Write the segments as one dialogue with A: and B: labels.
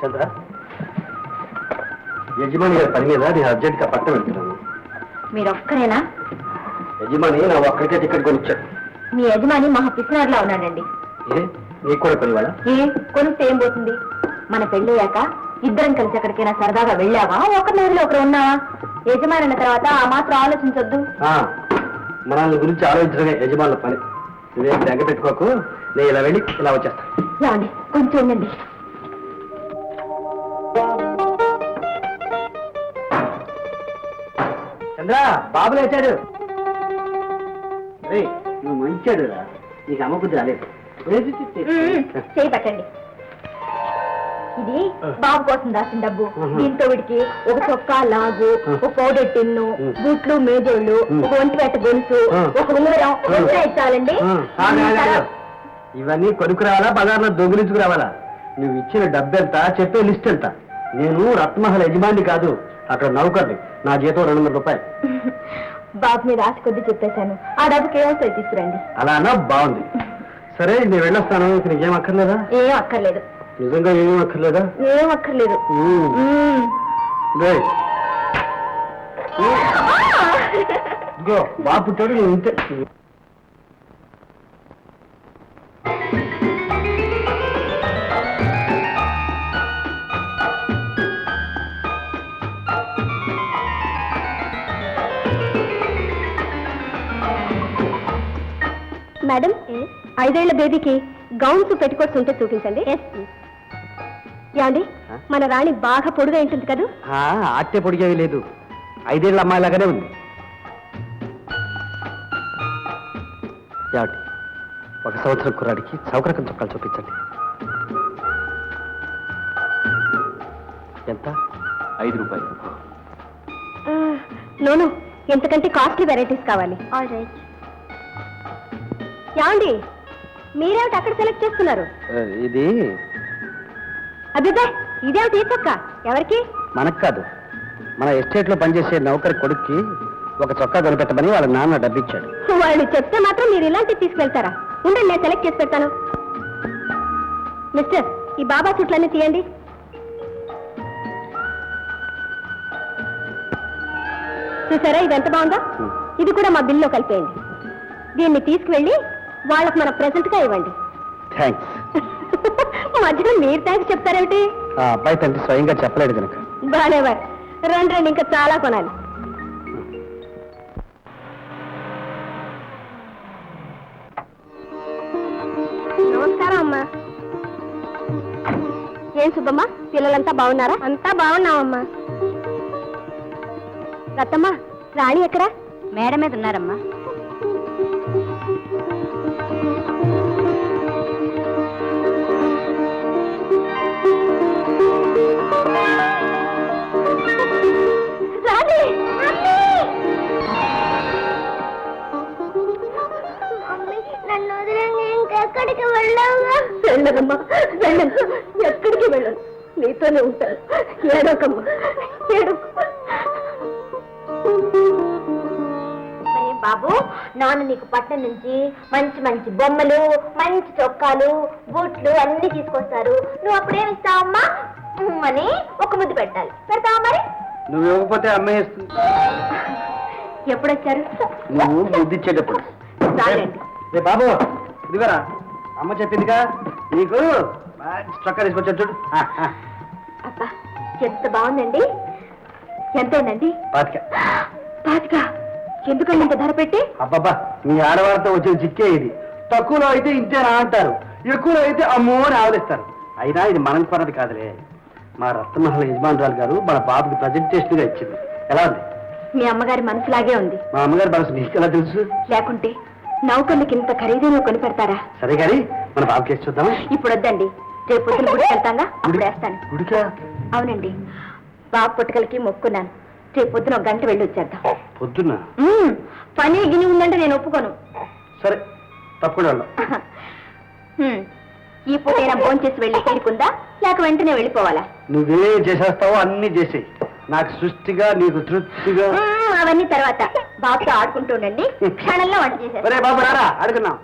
A: చంద్ర, యజమాని గారి పని మీద నేను అర్జెంట్గా పట్టణం వెళ్తున్నాను.
B: మీరు ఒక్కరేనా?
A: యజమాని నా ఒక్కరికే టికెట్ కొనిచ్చాడు.
B: మీ యజమాని మహా పిసినారులా ఉన్నాడండి.
A: ఏ నీకు కూడా కొనివాడా?
B: కొనిస్తే ఏం పోతుంది? మన పెళ్ళయ్యాక ఇద్దరం కలిసి ఎక్కడికైనా సరదాగా వెళ్ళావా? ఒకరి నేరులో ఒకరు ఉన్నావా? యజమాని అన్న తర్వాత ఆ మాత్రం ఆలోచించొద్దు.
A: మనల్ని గురించి ఆలోచించడమే యజమానుల పని. నువ్వేం దగ్గర పెట్టుకోకు, నేను ఇలా వెళ్ళి ఇలా వచ్చేస్తాను.
B: ఏమండి, కొంచెం ఉండండి.
A: చంద్ర, బాబు లేచాడు. నువ్వు మంచాడు రా, నీకు అమ్మబుద్ధి రాలేదు.
B: చేయి పట్టండి. ఇది బాబు కోసం దాచిన డబ్బు. దీంతో వీడికి ఒక చొక్కా లాగు, ఒక పౌడర్ టిన్ను, బూట్లు మేజోళ్ళు, ఒక ఒంటిపేట గొలుసు, ఒక ఉంగరం ఇచ్చాలండి.
A: ఇవన్నీ కొనుక్కు రావాలా, బజార్లో దొంగిలించుకు రావాలా? నువ్వు ఇచ్చిన డబ్బు ఎంత, చెప్పే లిస్ట్ ఎంత? నేను రత్నమహల్ యజమాని కాదు, అక్కడ నౌకర్ని. నా జీతం 200 రూపాయలు.
B: బాబు మీద ఆశ కొద్ది చెప్పేశాను. ఆ డబ్బుకి ఏమొస్తాయి తీసుకురండి.
A: అలా అన్నా బాగుంది. సరే, నేను వెళ్ళొస్తాను. నీకేం అక్కర్లేదా?
B: ఏం అక్కర్లేదు.
A: నిజంగా ఏమీ అక్కర్లేదా?
B: ఏం అక్కర్లేదు.
A: బాబు పుట్టాడు, నువ్వు ఇంతే.
B: మేడం, 5 ఏళ్ల బేబీకి గౌన్స్ పెట్టుకోట్స్ ఉంటే చూపించండి. యాండి, మన రాణి బాగా పొడుగా ఉంటుంది కదా?
A: ఆట్టే పొడిగేవి లేదు, 5 ఏళ్ల అమ్మాయిలాగానే ఉంది. యాటి 1 సంవత్సరం కుర్రాడికి చౌకరకం చొక్కాలు చూపించండి. ఎంత? 5 రూపాయలు.
B: నోను, ఎంతకంటే కాస్ట్లీ వెరైటీస్ కావాలి. All right. యాండి, మీరేమిటి అక్కడ సెలెక్ట్ చేస్తున్నారు?
A: ఇది
B: అబ్బే, ఇదేమిటి ఈ చొక్కా? ఎవరికి?
A: మనకు కాదు, మన ఎస్టేట్ లో పనిచేసే నౌకరి కొడుక్కి ఒక చొక్కా కొనిపెట్టమని వాళ్ళ నాన్న డబ్బిచ్చాడు.
B: వాళ్ళు చెప్తే మాత్రం మీరు ఇలాంటివి తీసుకెళ్తారా? ఉండండి, నేను సెలెక్ట్ చేసి పెడతాను. మిస్టర్, ఈ బాబా చుట్లన్నీ తీయండి. చూసారా, ఇది ఎంత బాగుందో? ఇది కూడా మా బిల్లో కలిపేయండి. దీన్ని తీసుకువెళ్ళి వాళ్ళకి మన ప్రెజెంట్ గా ఇవ్వండి.
A: థ్యాంక్స్.
B: మధ్యలో మీరు థ్యాంక్స్ చెప్తారేమిటి?
A: ఆ అబ్బాయి తండ్రి స్వయంగా చెప్పలేడు కనుక.
B: బాలేవారు. రండి రండి, ఇంకా చాలా కొనాలి. నమస్కారం అమ్మా. ఏం సుబ్బమ్మ, పిల్లలంతా బాగున్నారా? అంతా బాగున్నామమ్మా. రత్తమ్మ, రాణి ఎక్కడా? మేడ మీద ఉన్నారమ్మా. ఎక్కడికి వెళ్ళావా? వెళ్ళదమ్మా, వెళ్ళను. ఎక్కడికి వెళ్ళను, నీతోనే ఉంటాను. ఏడోకమ్మా, ఏడు. బాబు, నాన్న నీకు పట్నం నుంచి మంచి మంచి బొమ్మలు, మంచి చొక్కాలు, బూట్లు అన్ని తీసుకొస్తారు. నువ్వు అప్పుడేమిస్తావమ్మా అని ఒక ముద్దు పెట్టాలి. పెడతావా మరి?
A: నువ్వు ఇవ్వకపోతే అమ్మేస్తుంది.
B: ఎప్పుడొచ్చారు?
A: నువ్వు ముద్దిచ్చేటప్పుడు. బాబు, ఇదిగోరా, అమ్మ చెప్పిందిగా నీకు చొక్కా తీసుకొచ్చా చూడు.
B: అబ్బా, ఎంత బాగుందండి. ఎంతేనండి? 25. ఎందుకండి ఇంత ధర పెట్టి?
A: అబ్బాబా, మీ ఆడవారితో వచ్చిన చిక్కే ఇది. తక్కువలో అయితే ఇంతేనా అంటారు, ఎక్కువలో అయితే అమ్మో అని ఆవలిస్తారు. అయినా ఇది మనం కొన్నది కాదులే. మా రత్నమహల్ యజమానురాలు గారు మన బాబుకి ప్రజెంటేషన్ గా ఇచ్చింది. ఎలా ఉంది?
B: మీ అమ్మగారి మనసులాగే ఉంది.
A: మా అమ్మగారి మనసు నీకు ఎలా తెలుసు?
B: లేకుంటే నౌకర్లకి ఇంత ఖరీదైన కొని పెడతారా?
A: సరే కానీ మన బాబుకి వేసి చూద్దామా?
B: ఇప్పుడు వద్దండి, రేపు పొద్దున గుడికి వెళ్తాగా, అప్పుడు వేస్తాను.
A: గుడికా?
B: అవునండి, బాబు పుట్టకలకి మొక్కున్నాను. రేపు పొద్దున 1 గంట వెళ్ళి వచ్చేద్దాం.
A: పొద్దున్న?
B: పని గిని ఉందంటే నేను ఒప్పుకోను.
A: సరే, తప్పకుండా.
B: ఈ పూటైనా భోంచేసి వెళ్ళి తీరుకుందా, లేక వెంటనే వెళ్ళిపోవాలా?
A: నువ్వే చేసేస్తావో అన్ని చేసేయి. నాకు సృష్టిగా, నీకు తృప్తిగా.
B: అవన్నీ తర్వాత. బాబుతో ఆడుకుంటూ ఉండండి, క్షణంలో వంట చేసేస్తా.
A: బాబు రారా, అడుగున్నాం.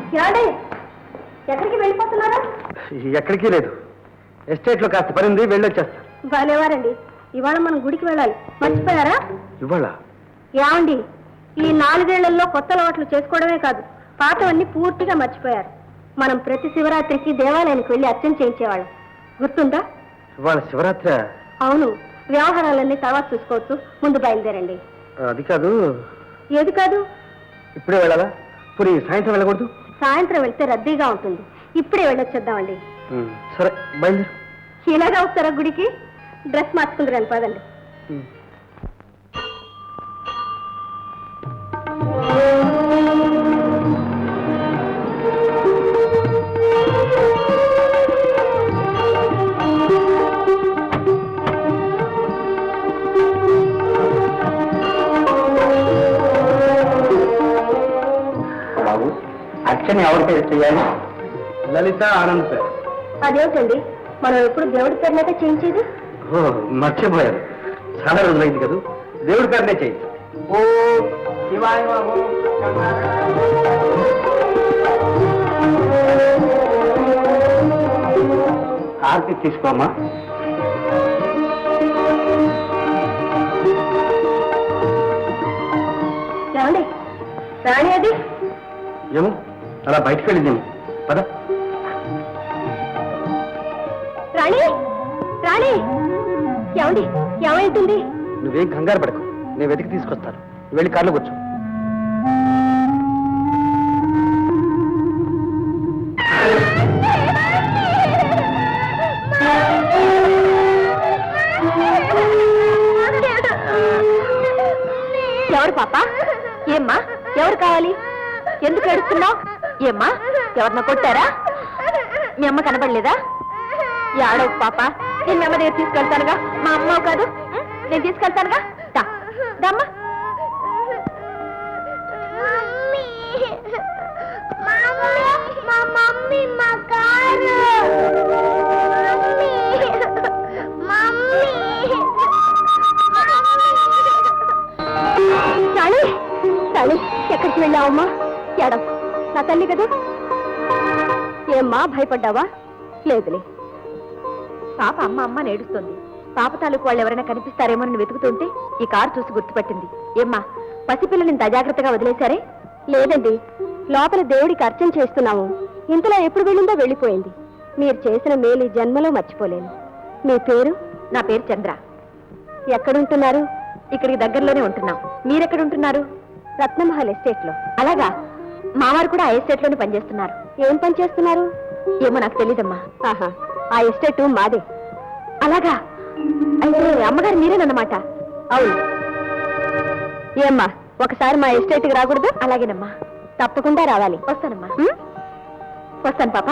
B: ఏమండి ఎక్కడికి వెళ్ళిపోతున్నారా?
A: ఎక్కడికి లేదు, ఎస్టేట్లో కాస్త పని ఉంది, వెళ్ళొచ్చేస్తా.
B: బాలేవారండి, ఇవాళ మనం గుడికి వెళ్ళాలి, మర్చిపోయారా?
A: ఇవాళ
B: ఏమండి, ఈ 4 ఏళ్లలో కొత్త అలవాట్లు చేసుకోవడమే కాదు, పాతవన్నీ పూర్తిగా మర్చిపోయారు. మనం ప్రతి శివరాత్రికి దేవాలయానికి వెళ్ళి అర్చన చేయించేవాళ్ళం, గుర్తుందా?
A: ఇవాళ శివరాత్రి?
B: అవును, వ్యవహారాలన్నీ తర్వాత చూసుకోవచ్చు, ముందు బయలుదేరండి.
A: అది కాదు.
B: ఏది కాదు?
A: ఇప్పుడే వెళ్ళాలా? పోనీ సాయంత్రం వెళ్ళకూడదు?
B: సాయంత్రం వెళ్తే రద్దీగా ఉంటుంది, ఇప్పుడే వెళ్ళొచ్చేద్దామండి.
A: సరే బయలుదేరు.
B: ఇలాగా వస్తారా గుడికి? డ్రెస్ మార్చుకుందరండి, పదండి.
A: బాబు, అర్చన ఎవరి పేరు చేయాలి? లలిత ఆనంద్ పేరు.
B: అదేమిటండి, మనం ఎప్పుడు దేవుడి పేరునైతే చేయించేది?
A: ఓ, మర్చిపోయారు, చాలా రోజులైంది కదా, దేవుడి పేరునే చేయి. ఓ శివాయ బాబు. హారతి తీసుకోమ్మా.
B: ఏమండి, రాణి అది?
A: ఏమో, అలా బయటకు వెళ్ళిందేమో, పద.
B: రాణి, రాణి, ఏమండి, ఏమైంటుంది?
A: నువ్వేం కంగారు పడకు, నేను వెతికి తీసుకొస్తాను, వెళ్ళి కార్లో కూర్చో.
B: ఎవరు పాప? ఏమ్మా, ఎవరు కావాలి? ఎందుకు ఏడుస్తున్నావు? ఏమ్మా, ఎవరిన కొట్టారా? మీ అమ్మ కనబడలేదా? ఏడవు పాప, నేను మీ అమ్మ దగ్గర తీసుకెళ్తానుగా. మా అమ్మ కాదు, నేను తీసుకెళ్తానుగా. దమ్మా. చాలి చాలి, ఎక్కడికి వెళ్ళావమ్మా? ఎడం, నా తల్లి కదా. ఏమ్మా, భయపడ్డావా? లేదులే. పాప అమ్మ అమ్మ నేడుస్తుంది. పాప తాలూకు వాళ్ళు ఎవరైనా కనిపిస్తారేమో అని వెతుకుతుంటే ఈ కారు చూసి గుర్తుపట్టింది. ఏమ్మా, పసిపిల్లని ఇంత అజాగ్రత్తగా వదిలేశారే? లేదండి, లోపల దేవుడికి అర్చన చేస్తున్నాము. ఇంతలో ఎప్పుడు వెళ్ళిందో వెళ్ళిపోయింది. మీరు చేసిన మేలు ఈ జన్మలో మర్చిపోలేను. మీ పేరు? నా పేరు చంద్ర. ఎక్కడుంటున్నారు? ఇక్కడికి దగ్గరలోనే ఉంటున్నాం. మీరెక్కడుంటున్నారు? రత్నమహల్ ఎస్టేట్ లో. అలాగా, మావారు కూడా ఆ ఎస్టేట్ లోనే పనిచేస్తున్నారు. ఏం పని చేస్తున్నారు? ఏమో నాకు తెలీదమ్మా. ఆహా, ఆ ఎస్టేట్ మాదే. అలాగా, అయితే అమ్మగారు మీరేనన్నమాట. అవును. ఏమ్మా, ఒకసారి మా ఎస్టేట్కి రాకూడదు? అలాగేనమ్మా, తప్పకుండా రావాలి. వస్తానమ్మా. వస్తాను పాప.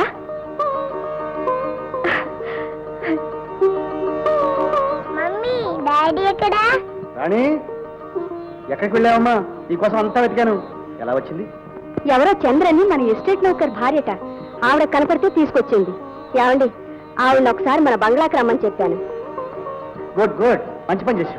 C: మమ్మీ, డాడీ ఎక్కడా?
A: రాణి, ఎక్కడికి వెళ్ళావమ్మా? నీకోసం అంతా వెతికాను. ఎలా వచ్చింది?
B: ఎవరో చంద్రని మన ఎస్టేట్ లో ఒకరి భార్యట. ఆవిడ కనపడితే తీసుకొచ్చింది. ఏమండి, ఆవిడ ఒకసారి మన బంగ్లాకి రమ్మని చెప్పాను.
A: గుడ్ గుడ్, మంచి పని చేశావు.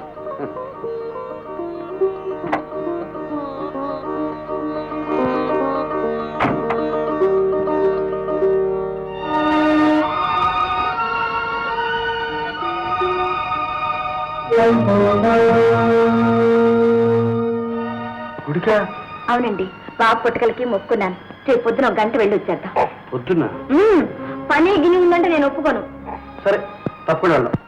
A: గుడికా?
B: అవునండి, బాబు పుట్టకలకి మొక్కున్నాను. రేపు పొద్దున 1 గంట వెళ్ళి వచ్చేద్దాం.
A: పొద్దున్న?
B: పని గిని ఉందంటే నేను ఒప్పుకోను.
A: సరే, తప్పకుండా వెళ్దాం.